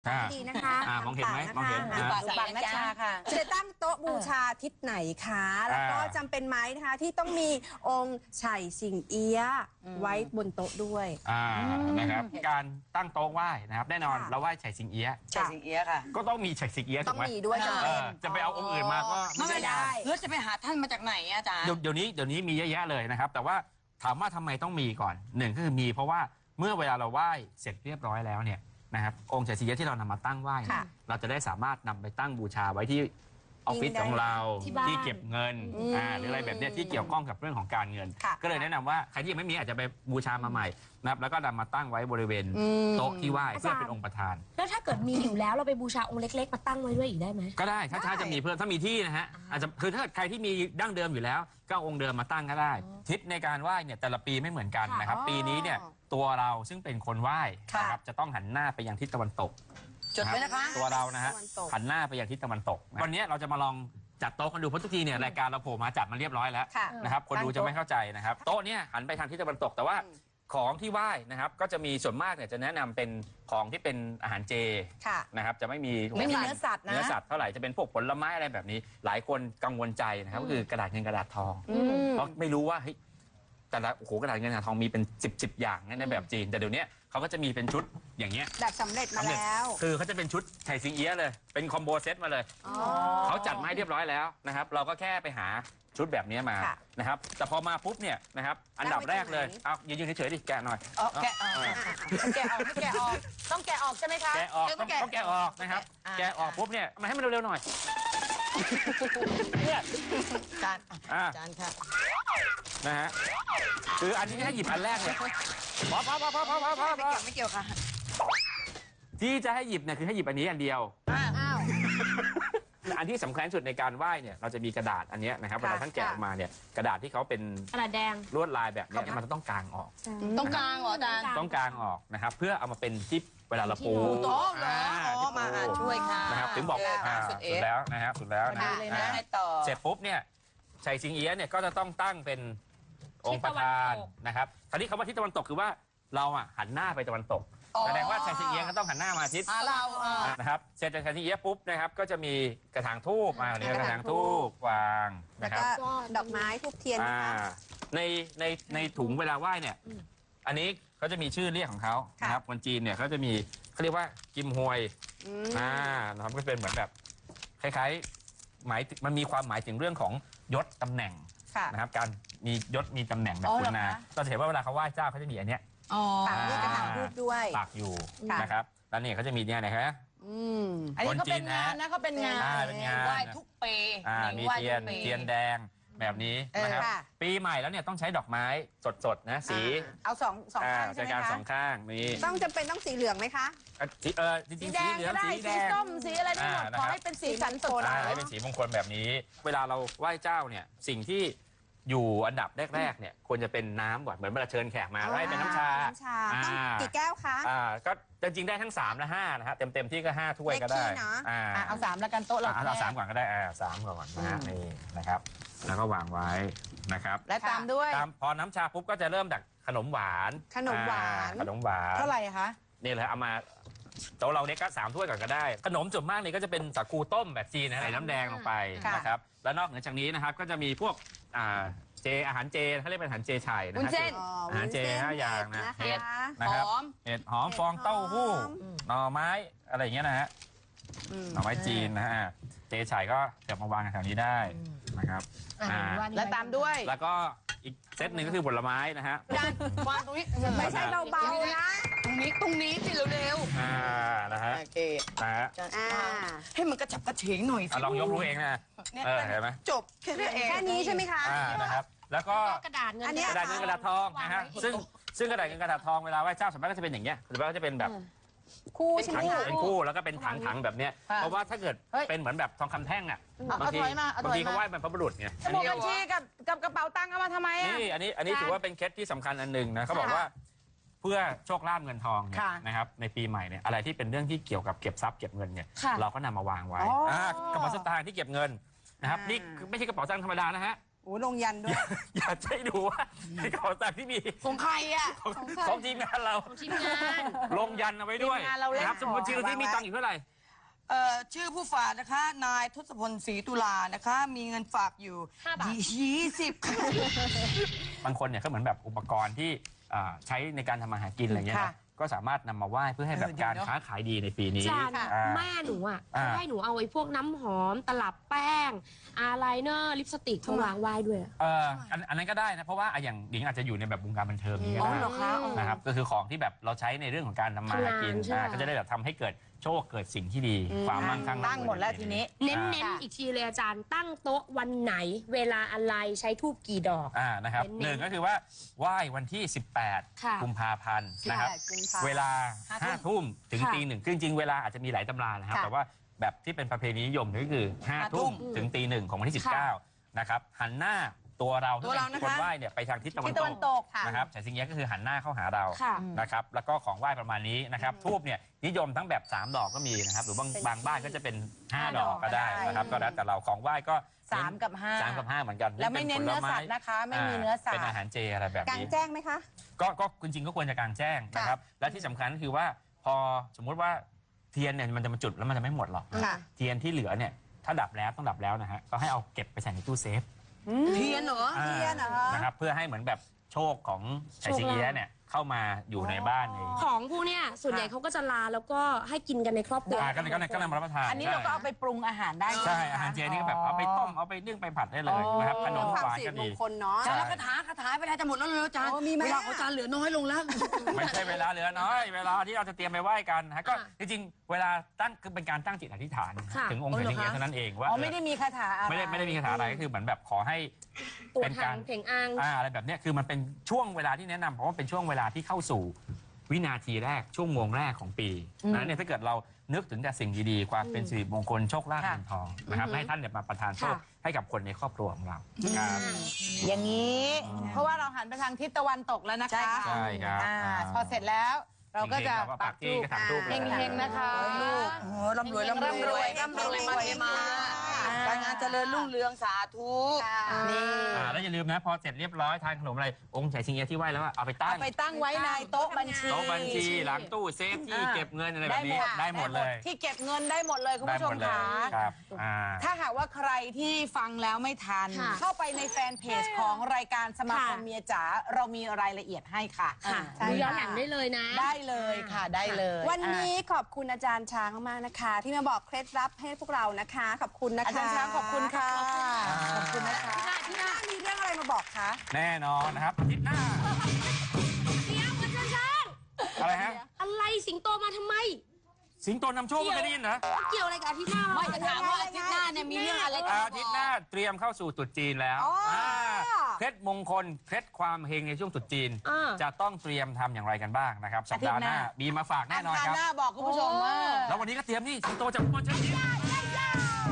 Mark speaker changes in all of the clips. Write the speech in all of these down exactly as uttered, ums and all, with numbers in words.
Speaker 1: ดีนะคะ
Speaker 2: มองเห็นไหมมองเห็น
Speaker 3: บังนัชชาค่ะ
Speaker 1: จะตั้งโต๊ะบูชาทิศไหนคะแล้วก็จำเป็นไหมนะคะที่ต้องมีองค์ไฉสิงเอี้ยไว้บนโต๊ะด้วย
Speaker 2: นะครับการตั้งโต๊ะไหว้นะครับแน่นอนเราไหว้ไฉสิงเอี้ย
Speaker 3: ไฉสิงเอี้ยค่ะ
Speaker 2: ก็ต้องมีไฉสิงเอี้ย
Speaker 1: ต้องมีด้วย
Speaker 2: จะไปเอาองค์อื่นมาก็
Speaker 3: ไม่ได้แล้วจะไปหาท่านมาจากไหนอาจารย์
Speaker 2: เดี๋ยวนี้เดี๋ยวนี้มีเยอะแยะเลยนะครับแต่ว่าถามว่าทำไมต้องมีก่อนหนึ่งก็คือมีเพราะว่าเมื่อเวลาเราไหว้เสร็จเรียบร้อยแล้วเนี่ยนะครับองค์ไฉสิงเอี้ยที่เรานำมาตั้งไหว้เราจะได้สามารถนำไปตั้งบูชาไว้ที่ออฟฟิศของเราที่เก็บเงินหรืออะไรแบบนี้ที่เกี่ยวข้องกับเรื่องของการเงินก็เลยแนะนำว่าใครที่ยังไม่มีอาจจะไปบูชามาใหม่นะครับแล้วก็นำมาตั้งไว้บริเวณโต๊ะที่ไหว้เพื่อเป็นองค์ประธาน
Speaker 4: แล้วถ้าเกิดมีอยู่แล้วเราไปบูชาองค์เล็กๆมาตั้งไว้ด้วยอีกได้ไหม
Speaker 2: ก็ได้ถ้าถ้าจะมีเพิ่มถ้ามีที่นะฮะอาจจะคือถ้าใครที่มีดั้งเดิมอยู่แล้วก็องค์เดิมมาตั้งก็ได้ทิศในการไหว้เนี่ยแต่ละปีไม่เหมือนกันนะครับปีนี้เนี่ยตัวเราซึ่งเป็นคนไหว้นะครับจะต้องหันหน้าไปยังทิศตะวันตก
Speaker 3: จดไว้นะคะ
Speaker 2: ตัวเรานะฮะหันหน้าไปยังทิศตะวันตกวันนี้เราจะมาลองจัดโต๊ะกันดูเพราะทุกทีเนี่ยรายการเราโผล่มาจัดมาเรียบร้อยแล้วนะครับคนดูจะไม่เข้าใจนะครับโต๊ะเนี่ยหันไปทางทิศตะวันตกแต่ว่าของที่ไหว้นะครับก็จะมีส่วนมากเนี่ยจะแนะนำเป็นของที่เป็นอาหารเจนะครับจะไม่มี
Speaker 3: ไม่มีเนื้อสัตว์นะ
Speaker 2: เนื้อสัตว์เท่าไหร่จะเป็นพวกผลไม้อะไรแบบนี้หลายคนกังวลใจนะครับก็คือกระดาษเงินกระดาษทองเพราะไม่รู้ว่าเฮ้ยแต่ละโอ้โหกระดาษเงินกระดาษทองมีเป็นสิบสิบอย่างในแบบจีนแต่เดี๋ยวนี้เขาก็จะมีเป็นชุดอย่างเงี้ย
Speaker 1: แบบสำเร็จมาแล้ว
Speaker 2: คือเขาจะเป็นชุดไฉสิงเอี้ยเลยเป็นคอมโบเซตมาเลยเขาจัดมาให้เรียบร้อยแล้วนะครับเราก็แค่ไปหาชุดแบบนี้มานะครับแต่พอมาปุ๊บเนี่ยนะครับอันดับแรกเลยเอายืนๆเฉยๆดิแกะหน่อย
Speaker 3: แกะออกแกะออกไม่แกะออกต้องแกะออกใช่ไหมคะ
Speaker 2: แกะออกต้องแกะออกนะครับแกะออกปุ๊บเนี่ยมาให้มันเร็วๆหน่อยเนี่ย
Speaker 3: จานจานค่ะ
Speaker 2: นะฮะคืออันนี้ให้หยิบอันแรกเลยพอพอพอพอพอพอพอ
Speaker 3: ไม่เกี่ยวไม่เกี่ยวค่ะ
Speaker 2: ที่จะให้หยิบเนี่ยคือให้หยิบอันนี้อันเดียว
Speaker 3: อ้าว
Speaker 2: อันที่สำคัญสุดในการไหว้เนี่ยเราจะมีกระดาษอันนี้นะครับเวลาท่านแกะออกมาเนี่ยกระดาษที่เขาเป็น
Speaker 4: กระดาษแดง
Speaker 2: ลวดลายแบบนี้มันต้องกางออก
Speaker 3: ต้องกางเหรออาจารย์
Speaker 2: ต้องกางออกนะครับเพื่อเอามาเป็นที่เวลาเราปู
Speaker 3: โต๊ะเหรอมาช่วยค่ะ
Speaker 2: นะครับถึงบอกสุดแล้วนะครับสุดแล้วนะเสร็จปุ๊บเนี่ยไฉสิงเอี้ยเนี่ยก็จะต้องตั้งเป็นองค์ประธานนะครับคราวนี้คำว่าทิศตะวันตกคือว่าเราอ่ะหันหน้าไปตะวันตกแสดงว่าไฉสิงเอี้ยก็ต้องหันหน้ามาทิศ
Speaker 3: เรา
Speaker 2: นะครับเสร็จจากไฉสิงเอี้ยปุ๊บนะครับก็จะมีกระถางทูบมาเนี่ยกระถางทูบวางนะครับ
Speaker 1: ดอกไม้ทูบเทียน
Speaker 2: ในในในถุงเวลาไหว้เนี่ยอันนี้เขาจะมีชื่อเรียกของเขานะครับคนจีนเนี่ยเขาจะมีเขาเรียกว่ากิมฮวยอ่านะครับก็เป็นเหมือนแบบคล้ายๆหมายมันมีความหมายถึงเรื่องของยศตำแหน่งนะครับการมียศมีตำแหน่งแบบคุณนาเราเห็นว่าเวลาเขาไหว้เจ้าเขาจะมีอันเนี้ย
Speaker 1: ปักด้วยกระถางทูบด้วย
Speaker 2: ปักอยู่นะครับแล้วนี่เขาจะมีเนี่ยนะครับ
Speaker 3: อันนี้เขาเป็นงานนะเขาเป็นงานไหว้ทุกปี
Speaker 2: มีเทียนเทียนแดงแบบนี้นะครับปีใหม่แล้วเนี่ยต้องใช้ดอกไม้สดๆนะสี
Speaker 1: เอาสองสองข้างใช่ไหมคะ
Speaker 2: สองข้างมี
Speaker 1: ต้องจำเป็นต้องสีเหลืองไหมคะ
Speaker 2: เออจริงๆสีเหลืองสีแดง
Speaker 3: สีส้มสีอะไรได้หมดขอให้เป็นสีสันสดใส
Speaker 2: ให้เป็นสีมงคลแบบนี้เวลาเราไหว้เจ้าเนี่ยสิ่งที่อยู่อันดับแรกๆเนี่ยควรจะเป็นน้ำก่อนเหมือนเวลาเชิญแขกมาให้เป็นน้ำชา
Speaker 1: กี่แก้วคะ
Speaker 2: อ่าก็จริงๆได้ทั้งสามและห้านะฮะเต็มๆที่ก็ห้าถ้วยก็ได้
Speaker 3: อ่าเอาสามแล้วกันโต๊ะเรา
Speaker 2: เอาสามก่อนก็ได้อ่าสามก่อนนะฮะนี่นะครับแล้วก็วางไว้นะครับ
Speaker 3: และตามด้วย
Speaker 2: พอน้ำชาปุ๊บก็จะเริ่มจากขนมหวาน
Speaker 1: ขนมหวาน
Speaker 2: ขนมหวาน
Speaker 3: เท่าไหร่คะ
Speaker 2: นี่เลยเอามาโต๊ะเราเนี่ยก็สามถ้วยก่อนก็ได้ขนมส่วนมากเนี่ยก็จะเป็นสาคูต้มแบบจีนนะใส่น้ำแดงลงไปนะครับแล้วนอกเหนือจากนี้นะครับก็จะมีพวกอ่าเจอาหารเจเขาเรียกเป็นอาหารเจไฉนะ
Speaker 3: ฮะ
Speaker 2: อาหารเจห้าอย่างนะ
Speaker 1: เห็ด
Speaker 2: นะครับเห็ดหอมฟองเต้าหู้หน่อไม้อะไรอย่างเงี้ยนะฮะหน่อไม้จีนนะฮะเจไฉก็เก็บมาวางแถวนี้ได้นะครับ
Speaker 3: และตามด้วย
Speaker 2: แล้วก็อีกเซตหนึ่งก็คือผลไม้นะฮะ
Speaker 3: วางตรงนี้
Speaker 1: ไม่ใช่เบาๆนะ
Speaker 3: ตรงนี้ตรงนี้สิเร็ว
Speaker 2: ๆอ่านะฮะ
Speaker 3: โอเค
Speaker 2: นะฮะ
Speaker 3: ให้มันกระฉับกระเฉงหน่อย
Speaker 2: ลองยกรู้เองนะเออเห็นไหม
Speaker 3: จบแค่นี้เอง
Speaker 1: แค่นี้ใช่ไหมคะ
Speaker 2: นะครับแล้วก็
Speaker 4: กระดาษเงิน
Speaker 2: กระดาษเงินกระดาษทองนะฮะซึ่งซึ่งกระดาษเงินกระดาษทองเวลาไหว้เจ้าส่วนมากก็จะเป็นอย่างเงี้ยส่วนมากก็จะเป็นแบบ
Speaker 1: คู่ใช่ไหม
Speaker 2: เป็นคู่แล้วก็เป็นถังๆแบบเนี้ยเพราะว่าถ้าเกิดเป็นเหมือนแบบทองคำแท่งอ่ะบางทีบางทีเขาไหว้บรรพบุรุษไง
Speaker 3: สมุดบัญชีกับกับกระเป๋าตังค์เอามาทำไมอ่ะ
Speaker 2: นี่อันนี้อันนี้ถือว่าเป็นเคล็ดที่สำคัญอันหนึ่งนะเขาบอกว่าเพื่อโชคลาภเงินทองนะครับในปีใหม่เนี่ยอะไรที่เป็นเรื่องที่เกี่ยวกับเก็บทรัพย์เก็บเงินเนี่ยเราก็นำมาวางไว้กระเป๋าสตางค์ที่เก็บเงินนะครับนี่ไม่ใช่กระเป๋าตังค์ธรรมดานะฮะ
Speaker 1: โอ้ลงยันด้วย
Speaker 2: อยากให้ดูว่าในกระเป๋าตังค์ที่มี
Speaker 3: ของใครอ่ะ
Speaker 2: ของของทีมงานเรา
Speaker 4: ทีมงาน
Speaker 2: ลงยันเอาไว้ด้วย
Speaker 3: ทีมงานเราเล่น
Speaker 2: นะครับสมมติชื่อที่มีตังค์อยู่เท่าไหร่
Speaker 3: เอ่อชื่อผู้ฝากนะคะ นายทศพลศรีตุลานะคะ มีเงินฝากอยู่
Speaker 4: ห้าบาท
Speaker 3: ยี่สิบค่ะ
Speaker 2: บางคนเนี่ยก็เหมือนแบบอุปกรณ์ที่อ่าใช้ในการทำมาหากินอะไรเงี้ย
Speaker 3: ค่ะ
Speaker 2: นะก็สามารถนำมาไหว้เพื่อให้แบบ
Speaker 3: เออดี
Speaker 2: การ
Speaker 3: เนอะ
Speaker 2: ค้าขายดีในปีนี้
Speaker 4: จาน
Speaker 2: อ่า
Speaker 4: แม่หนูอ่ะ
Speaker 2: อ่า
Speaker 4: เขาให้หนูเอาไอ้พวกน้ำหอม ตลับแป้งอายไลเนอร์ลิปสติกมาวางไหว้ด้วยอะ
Speaker 2: เอออันอันนั้นก็ได้นะเพราะว่าอ่ะอย่างหญิงอาจจะอยู่ในแบบวงการบันเทิงนี้ก็
Speaker 3: อ๋อ
Speaker 2: ได้
Speaker 3: เหรอคะอ๋อ
Speaker 2: นะครับก็คือของที่แบบเราใช้ในเรื่องของการทำมาหากิน
Speaker 4: ทำงานใช่
Speaker 2: อ่าก็จะได้แบบทำให้เกิดโชคเกิดสิ่งที่ดีความมั่งคั่ง
Speaker 3: ตั้งหมดแล้วทีนี้
Speaker 4: เน้นๆอีกทีเลยอาจารย์ตั้งโต๊ะวันไหน เวลาอะไรใช้ทูบกี่ดอก
Speaker 2: อ่านะครับ
Speaker 4: เน้นๆ
Speaker 2: หนึ่งก็คือว่าไหว้วันที่ สิบแปด
Speaker 4: ค่ะ
Speaker 2: กุมภาพันธ์นะครับ
Speaker 1: สิบแปดกุมภาพันธ์
Speaker 2: เวลา
Speaker 3: ห้า
Speaker 2: ห้าทุ่มถึง
Speaker 4: ค่ะ
Speaker 2: ตีหนึ่งคือจริงๆเวลาอาจจะมีหลายตำรานะครับ
Speaker 3: ค่ะ
Speaker 2: แต่ว่าแบบที่เป็นประเพณีนิยมก็คือห้า
Speaker 3: ห้าทุ่
Speaker 2: ทุ่ม
Speaker 3: ม
Speaker 2: ถึงตีหนึ่งของวันที่ สิบ
Speaker 4: ค่ะ
Speaker 2: เก้านะครับหันหน้าตัวเรา
Speaker 3: ตัวเรานะคะ
Speaker 2: คนไหว้เนี่ยไปทางทิศตะวัน
Speaker 3: ทิศตะวัน
Speaker 2: ต
Speaker 3: ต
Speaker 2: ก
Speaker 3: กค่ะ
Speaker 2: นะครับแต่สิ่งนี้ก็คือหันหน้าเข้าหาเรา
Speaker 4: ค่ะ
Speaker 2: นะครับแล้วก็ของไหว้ประมาณนี้นะครับทูบเนี่ยนิยมทั้งแบบสามดอกก็มีนะครับหรือบางบางบ้านก็จะเป็นห้า
Speaker 3: ห้า
Speaker 2: ดอกก็ได้
Speaker 3: ดอกก็ได้
Speaker 2: นะครับก็แล้วแต่เราของไหว้ก็
Speaker 3: สามกับห้า
Speaker 2: สามกับห้าเหมือนกัน
Speaker 3: แล้วไม่เน้นเนื้อสัตว์นะคะ ไม่มีเนื้อสัต
Speaker 2: เป็น
Speaker 3: ว์
Speaker 2: อาหารเจอะไรแบบ
Speaker 1: กลาง
Speaker 2: นี้
Speaker 1: แจ้งไหมคะ
Speaker 2: ก็ก็จริงๆก็ควรจะกลางแจ้งนะครับ และที่สำคัญก็คือว่าพอสมมุติว่าเทียนเนี่ยมันจะมาจุดแล้วมันจะไม่หมดหรอก
Speaker 1: ค่ะ
Speaker 2: เทียนที่เหลือเนี่ยถ้าดับแล้วต้องดับแล้วนะฮะก็ให้เอาเก็บไปใส่ในตู้เซฟ
Speaker 3: เทียนเหรอ
Speaker 1: เทียนเหรอ
Speaker 2: นะครับเพื่อให้เหมือนแบบโชคของไฉสิงเอี้ยะเนี่ยเข้ามาอยู่ในบ้านใน
Speaker 4: ของพวกเนี้ยส่วนใหญ่เขาก็จะลาแล้วก็ให้กินกันในครอบครัว
Speaker 2: อ่าก็เลยก็เลยก็เลยมารับประทาน
Speaker 3: อันนี้เราก็เอาไปปรุงอาหารได้
Speaker 2: ใช่อาหารเจนี่ก็แบบเอาไปต้มเอาไปนึ่งไปผัดได้เลยนะครับขนม
Speaker 1: ความ
Speaker 2: หวาน
Speaker 1: สิ
Speaker 2: ก็
Speaker 1: ริม
Speaker 2: ดี
Speaker 1: งคลเนาะ
Speaker 3: จานแล้วคาถาคาถาเวลาจะหมดแล้วเลยอาจารย์
Speaker 1: โอ้มีไหม
Speaker 3: เวลาของอาจารย์เหลือน้อยลงแล้ว
Speaker 2: ไม่ใช่เวลาเหลือน้อย เวลาที่เราจะเตรียมไปไหว้กันนะฮะก็
Speaker 4: อ่า
Speaker 2: จริงๆเวลาตั้งคือเป็นการตั้งจิตอธิษฐาน
Speaker 4: ค่ะ
Speaker 2: ถึงองค์ไฉสิงเอี้ยะเท่านั้นเองว่า
Speaker 3: อ๋อไม่ได้มีคาถาอะไร
Speaker 2: ไม่ได้ไม่ได้มีคาถาอะไรก็คือเหมือนแบบขอให้
Speaker 4: ตัว
Speaker 2: เป็น
Speaker 4: ทาก
Speaker 2: าง ร
Speaker 4: เพ่งอัง
Speaker 2: อ่าอะไรแบบเนี้ยคือมันเป็นช่วงเวลาที่แนะนำเพราะว่าเป็นช่วงเวลาที่เข้าสู่วินาทีแรกช่วงโมงแรกของปีนะเนี่ยถ้าเกิดเรานึกถึงแต่สิ่งดีๆความเป็นสิริมงคลโชคลาภ
Speaker 3: ค่ะ
Speaker 2: เงินทองนะครับให้ท่านเนี่ยมาประทานโชค
Speaker 4: ค่ะ
Speaker 2: ให้กับคนในครอบครัวของเราครับ
Speaker 3: อย่างนี้ เพราะว่าเราหันไปทางทิศตะวันตกแล้วนะคะ
Speaker 2: ใช่ครับ
Speaker 3: อ่า
Speaker 2: อ่า
Speaker 3: พอเสร็จแล้วเราก็จะ
Speaker 2: เฮงๆเราก็ปักที่กระถางธูปเลย
Speaker 3: เฮงๆนะคะ
Speaker 1: ลูก
Speaker 3: โอ้ร่ำรวยร่ำรวย
Speaker 1: ร่ำรวย
Speaker 3: ร่ำรวยมาเทมา
Speaker 1: อ่า
Speaker 3: การงานเจริญรุ่งเรืองสาธุ
Speaker 1: ค่ะ
Speaker 3: นี่
Speaker 2: อ่าแล้วอย่าลืมนะพอเสร็จเรียบร้อยทานขนมอะไรองค์ไฉสิงเอี้ยะที่ไหว้แล้วอะเอาไปตั้
Speaker 3: เอา
Speaker 2: ง
Speaker 3: ไปตั้งไว้ในโต๊ะบัญชี
Speaker 2: โต๊ะบัญชีหลังตู้เซฟที่
Speaker 3: อ่า
Speaker 2: เก็บเงินอะไรแบบนี้ได้หมดเลย
Speaker 3: ที่เก็บเงินได้หมดเลยคุณ
Speaker 2: ได้
Speaker 3: ผู้ช
Speaker 2: หม
Speaker 3: ม
Speaker 2: ดเลย
Speaker 3: ค่ะ
Speaker 2: ครับอ่า
Speaker 3: ถ้าหากว่าใครที่ฟังแล้วไม่ทัน
Speaker 4: ค่ะ
Speaker 3: เข้าไปในแฟนเพจของรายการสมาคม
Speaker 4: ค่ะ
Speaker 3: เมียจ๋าเรามีรายละเอียดให้ค่ะ
Speaker 4: ค่ะ
Speaker 1: ใช่
Speaker 4: ดูย้อน
Speaker 1: ค่ะ
Speaker 4: หลังได้เลยนะ
Speaker 3: ได้เลยค่ะได้เลย
Speaker 1: วันนี้ขอบคุณอาจารย์ช้างมากๆนะคะ ที่มาบอกเคล็ดลับให้พวกเรานะคะ ขอบคุณนะคะ
Speaker 3: อาจารย์ช้างขอบคุณค่ะ
Speaker 2: ขอบคุณ
Speaker 3: ขอบคุณนะคะ
Speaker 1: ที่หน้ามีเรื่องอะไรมาบอกคะ
Speaker 2: แน่นอนนะครับอาทิตย์หน้า
Speaker 4: เดี๋ยวอาจารย์ช้าง
Speaker 2: อะไรฮะ
Speaker 4: อะไรสิงโตมาทำไม
Speaker 2: สิงโตนำโชคไม่เคยได้ยินเหรอ
Speaker 4: เกี่ยวอะไรกับอาที่หน้า
Speaker 3: ไม่จะถามว่าอาทิตย์หน้าเนี่ยมีเรื่องอะไรจะ
Speaker 2: อา
Speaker 3: มาบ
Speaker 2: ทิต
Speaker 3: อก
Speaker 2: ย์หน้าเตรียมเข้าสู่ตรุษจีนแล้ว
Speaker 1: อ๋ออ่
Speaker 2: าเคล็ดมงคลเคล็ดความเฮงในช่วงตรุษจีน
Speaker 4: อ่า
Speaker 2: จะต้องเตรียมทำอย่างไรกันบ้างนะครับสัปดาห์หน้า
Speaker 3: อาทิตย์หน้า
Speaker 2: มีมาฝากแน่นอน
Speaker 3: อัง
Speaker 2: ค
Speaker 3: คาร
Speaker 2: รับ
Speaker 3: หน้าบอกคุณผู้ชมว่า
Speaker 2: แล้ววันนี้ก็เตรียมนี่สิงโตจากอุบลเชิญยิ้ม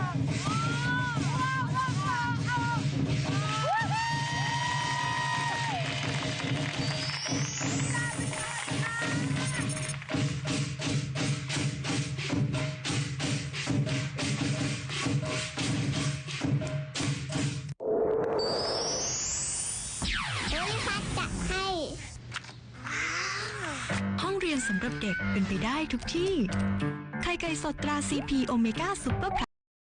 Speaker 5: ห้องเรียนสำหรับเด็กเป็นไปได้ทุกที่ ไข่ไก่สดตราซีพีโอเมก้าซุปเปอร์